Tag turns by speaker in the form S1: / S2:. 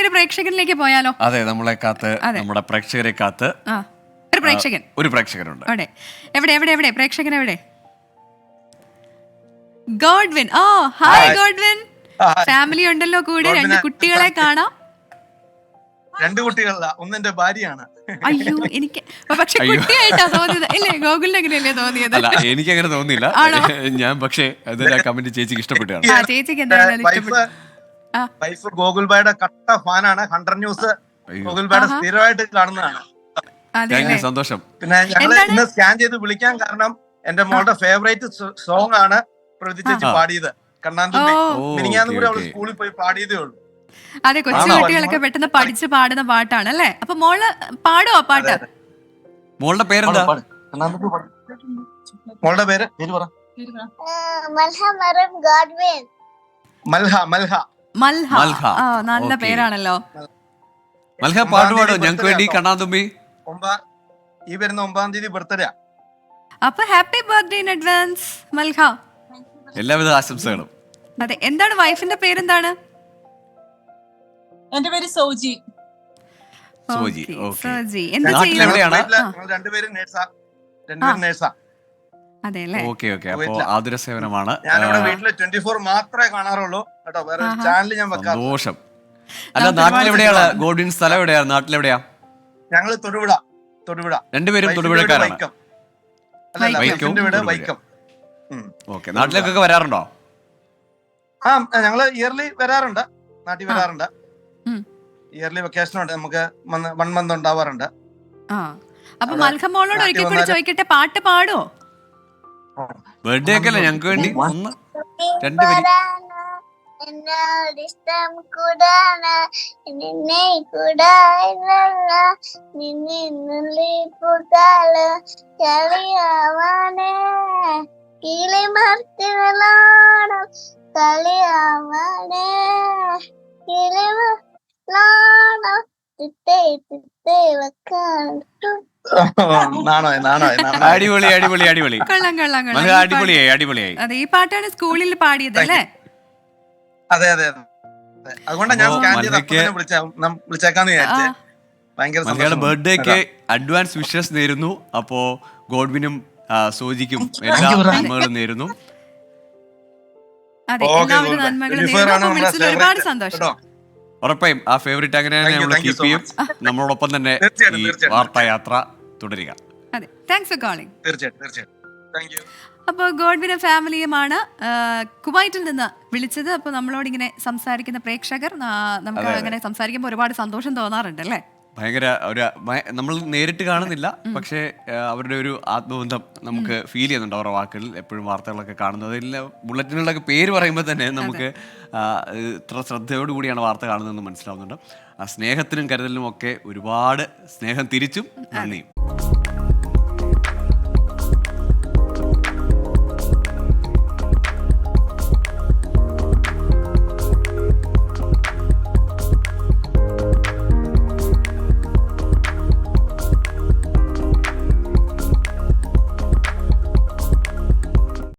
S1: ഒരു പ്രേക്ഷകനിലേക്ക് പോയാലോ?
S2: അതെ, നമ്മളെ കാത്ത് നമ്മുടെ പ്രേക്ഷകരെ കാത്ത് ഒരു പ്രേക്ഷകനുണ്ട്.
S1: അവിടെ എവിടെ എവിടെ എവിടെ പ്രേക്ഷകൻ എവിടെ? Godwin. Oh hi Godwin. Family ഉണ്ടല്ലോ കൂടെ, 2 കുട്ടികളെ കാണാം.
S3: 2 കുട്ടികളല്ല, ഒന്നെന്റെ ഭാര്യയാണ്.
S1: അയ്യോ, എനിക്ക് പക്ഷെ കുട്ടിയായിട്ടാ തോന്നിയത്. ഇല്ലേ, ഗോകുലിന് അങ്ങനെയല്ലേ തോന്നിയത്?
S2: അല്ല, എനിക്ക് അങ്ങനെ തോന്നിയില്ല. ഞാൻ പക്ഷേ കമന്റ് ചേച്ചിക്ക് ഇഷ്ടപ്പെട്ടാണ്.
S1: ചേച്ചിക്ക് എന്തായാലും ഇഷ്ടപ്പെട്ടു.
S3: വൈഫ് ഗോകുൽബായുടെ കട്ട ഫാനാണ്. 100 ന്യൂസ് ഗോകുൽബായുടെ സ്ഥിരമായിട്ട് കാണുന്നതാണ്.
S2: സന്തോഷം.
S3: പിന്നെ ഞങ്ങള് ഇന്ന് സ്കാൻ ചെയ്ത് വിളിക്കാൻ കാരണം എന്റെ മോളുടെ ഫേവറേറ്റ് സോങ് ആണ് പ്രവൃത്തി ചേച്ചി പാടിയത്, കണ്ണാന്തുമ്പി. മിനിങ്ങാന്ന് കൂടെ അവള് സ്കൂളിൽ പോയി പാടിയതേ ഉള്ളൂ.
S1: അതെ, കൊച്ചു കുട്ടികളൊക്കെ പെട്ടെന്ന് പഠിച്ച് പാടുന്ന പാട്ടാണ് അല്ലേ? അപ്പൊ മോള് പാടുവോ പാട്ട്?
S2: മോളുടെ പേരെന്താ?
S3: മോളുടെ പേര് പറ.
S1: മൽഹ. നല്ല പേരാണല്ലോ.
S2: മൽഹ പാടുപാടോ ഞങ്ങൾക്ക് വേണ്ടി കണ്ണാന്തുമ്പി?
S3: ഈ വരുന്ന 9-ാം തീയതി ബർത്ത്ഡേ.
S1: അപ്പൊ ഹാപ്പി ബർത്ത്ഡേ ഇൻ അഡ്വാൻസ് മൽഹ.
S2: എല്ലാവിധ ആശംസകളും.
S1: അതെ, എന്താണ് വൈഫിന്റെ പേരെന്താണ്?
S4: എന്റെ പേര് സോജി.
S1: സോജി.
S2: നാട്ടിലെവിടെയാണ്?
S3: രണ്ടുപേരും നേഴ്സാ.
S1: അതെല്ലേ?
S2: ഓക്കെ. അപ്പൊ ആതുര സേവനമാണ്.
S3: ഞാനിവിടെ വീട്ടില് 24 മാത്രമേ കാണാറുള്ളൂ കേട്ടോ, വേറെ ചാനൽ ഞാൻ വെക്കാം.
S2: സന്തോഷം. അല്ല, നാട്ടിലെവിടെയാണ് ഗോഡ്വിൻ? സ്ഥലം എവിടെയാണ്? നാട്ടിലെവിടെയാ?
S3: ഞങ്ങള് തൊടുപുഴ.
S2: രണ്ടുപേരും തൊടുപുഴക്കാരാണ്.
S3: വൈക്കം.
S2: ഓക്കെ. നാട്ടിലേക്കൊക്കെ വരാറുണ്ടോ?
S3: ഞങ്ങള് ഇയർലി വരാറുണ്ട്, നാട്ടിൽ വരാറുണ്ട്. ഇയർലി വെക്കേഷൻ ഉണ്ട്, നമുക്ക് 1 മന്ത് ഉണ്ടാവാറുണ്ട്.
S1: അപ്പൊ മൽഹ മോളോട് ഒരിക്കൽ കൂടി ചോദിക്കട്ടെ, പാട്ട് പാടുവോ?
S2: ബർത്ത്ഡേ ഒക്കെ അല്ലേ, ഞങ്ങൾക്ക് വേണ്ടി 2 പേര്.
S5: എന്നോടിഷ്ടം കൂടാണ് നിന്നെ കൂടായില്ല നിന്നുള്ളിപ്പുകാല് കളിയാവാനേ കിളിമർത്തികളാണം കളിയാവാനേ കിളിമലാണം തിത്തേ തിത്തേ വെക്കാൻ.
S2: അടിപൊളി. അടിപൊളിയായി.
S1: അതെ, ഈ പാട്ടാണ് സ്കൂളിൽ പാടിയത് അല്ലേ?
S3: അതെ. അതുകൊണ്ടാണ് ഞാൻ വിളിച്ചേക്കാന്ന് വിചാരിച്ചേ. ഭയങ്കര
S2: ബർത്ത്ഡേക്ക് അഡ്വാൻസ് വിഷസ് നേരുന്നു. അപ്പോ ഗോഡ്വിനും സോജിക്കും എല്ലാ നന്മകളും നേരുന്നു.
S1: ഒരുപാട് സന്തോഷം.
S2: ഉറപ്പായും ആ ഫേവറേറ്റ് അങ്ങനെ നമ്മൾ കീപ്പ് ചെയ്യും. നമ്മളോടൊപ്പം തന്നെ ഈ വാർത്തായാത്ര തുടരുക.
S1: അതെ, താങ്ക്സ് ഫോർ കോളിംഗ്.
S3: തീർച്ചയായിട്ടും. Thank you.
S1: അപ്പോൾ ഗോഡ്വിനും ഫാമിലിയുമാണ് കുവൈറ്റിൽ നിന്ന് വിളിച്ചത്. അപ്പോൾ നമ്മളോട് ഇങ്ങനെ സംസാരിക്കുന്ന പ്രേക്ഷകർ, നമുക്ക് അങ്ങനെ സംസാരിക്കുമ്പോൾ ഒരുപാട് സന്തോഷം തോന്നാറുണ്ട് അല്ലേ?
S2: ഭയങ്കര നമ്മൾ നേരിട്ട് കാണുന്നില്ല, പക്ഷേ അവരുടെ ഒരു ആത്മബന്ധം നമുക്ക് ഫീൽ ചെയ്യുന്നുണ്ട് അവരുടെ വാക്കുകളിൽ. എപ്പോഴും വാർത്തകളൊക്കെ കാണുന്നത്, ബുള്ളറ്റിനുകളൊക്കെ പേര് പറയുമ്പോൾ തന്നെ നമുക്ക് ഇത്ര ശ്രദ്ധയോടുകൂടിയാണ് വാർത്ത കാണുന്നതെന്ന് മനസ്സിലാവുന്നുണ്ട്. ആ സ്നേഹത്തിനും കരുതലിനും ഒക്കെ ഒരുപാട് സ്നേഹം തിരിച്ചും നന്ദിയും.